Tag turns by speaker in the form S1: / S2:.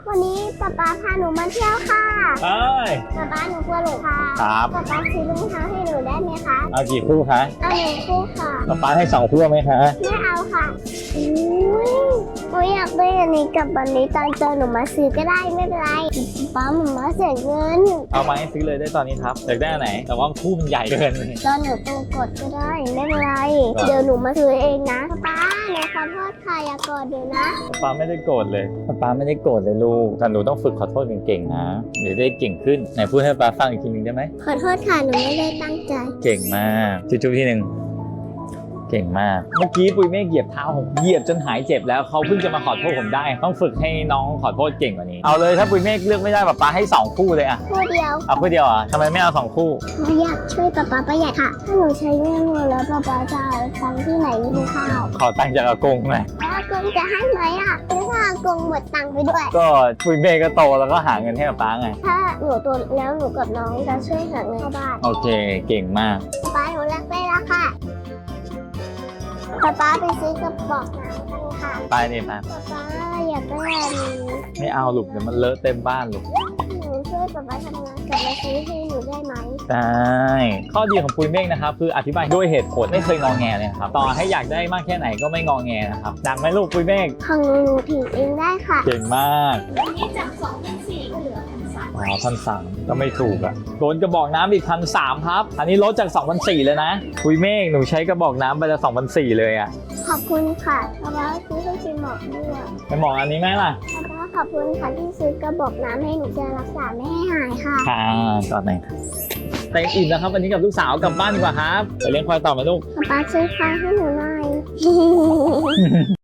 S1: วันนี้ป๊าป๊าพาหนูมาเที่ยวค่ะ
S2: ใช่
S1: ป๊าหนูกลัวหลงค่ะ
S2: ครับ
S1: ป๊าซื้อรองเท้าให้หนูได้ไหมคะ
S2: เอากี่คู่คะ
S1: เอาหนึ่งคู่ค่ะ
S2: ป๊าให้2 คู่ไหมคะ
S1: ไม่เอาค่ะอุ้ยหนูอยากได้อันนี้กับอันนี้ตอนเจอหนูมาซื้อก็ได้ไม่เป็นไรป๊าหนูมาเสียเงิน
S2: เอามาให้ซื้อเลยได้ตอนนี้ครับอยากได้อันไหนแต่ว่าคู่มันใหญ่เกิน
S1: ตอนหนูโตกดก็ได้ไม่เป็นไร
S2: ครับ
S1: เดี๋ยวหนูมาซื้อเองนะป๊าหนูขอโทษค่ะอย่ากอดหนูนะ
S2: ป๊าไม่ได้โกรธเลยป๊าไม่ได้โกรธเลยลูกแต่หนูต้องฝึกขอโทษเก่งๆนะเดี๋ยวได้เก่งขึ้นไหนพูดให้ป๊าฟังอีกทีนึงได้ไหม
S1: ขอโทษค่ะหนูไม่ได้ตั้งใจ
S2: เก่งมากจุ๊บๆทีหนึ่งเก่งมากเมื่อกี้ปุยเมฆเหยียบเท้าผมเหยียบจนหายเจ็บแล้วเขาเพิ่งจะมาขอโทษผมได้ต้องฝึกให้น้องขอโทษเก่งกว่านี้เอาเลยถ้าปุยเมฆเลือกไม่ได้ป๊าให้2 คู่เลยอะ
S1: คู่เดียว
S2: เอาคู่เดียวอ่ะทำไมไม่เอา2 คู่
S1: หนูอยากช่วยป๊าประหยัดค่ะ ถ้าหนูใช้เงินหมดแล้วป๊าจะเอาตังค์ที่ไหนกินข้าว
S2: ขอตังค์จากอากงหน่อย
S1: แล้วอากงจะให้ไหมอ่ะแล้วถ้าอากงหมดตังค์ไปด้วย
S2: ก็ปุยเมฆก็โตแล้วก็หาเงินให้ป๊าไง
S1: ถ้าหนูโตแล้วหนูกับน้องจะช่วยหาเงินเข้าบ้าน
S2: โอเคเก่งมาก
S1: ป๊าหนูรักได้แล้วค่ะป๊าไปซื้อกระบอกน้ำกันค่ะ
S2: ไปนี่ป๊า
S1: ป๊าอยากได้อันนี้
S2: ไม่เอาลูกเดี๋ยวมันเลอะเต็มบ้านลูก
S1: หนูช่วยป๊าทำงานกลับมาซื้อให้หนูได้ไหม
S2: ได้ข้อดีของปุยเมฆนะครับคืออธิบายด้วยเหตุผลไม่เคยงอแงเลยนะครับต่อให้อยากได้มากแค่ไหนก็ไม่งอแงนะครับดังไหมลูกปุยเมฆ
S1: ของหนูถือเองได้ค่ะ
S2: เก่งมาก
S1: อันนี้จาก2,400ก็เหลือ1,300
S2: อ๋อ1,300ก็ไม่ถูกอ่ะโดนกระบอกน้ำอีก1,300ครับอันนี้ลดจาก2,400เลยนะปุยเมฆหนูใช้กระบอกน้ำไปละ2,400เลยอ่ะ
S1: ขอบคุณค่ะป๊าซื้อให้ชิมหมอกด้วย
S2: ไปหมออันนี้ไหมล่ะ
S1: ป๊าขอบคุณค่ะที่ซื้อกระบอกน้ำให้หนูจะรักษาไม่ให้หายค่ะ
S2: ค่ะก่อนไหนเต็มอิ่มแล้วครับวันนี้กับลูกสาวกลับบ้านดีกว่าครับไปเลี้ยงควายต่อไหมลูก
S1: ป๊าซื้อควายให้หนูหน่อย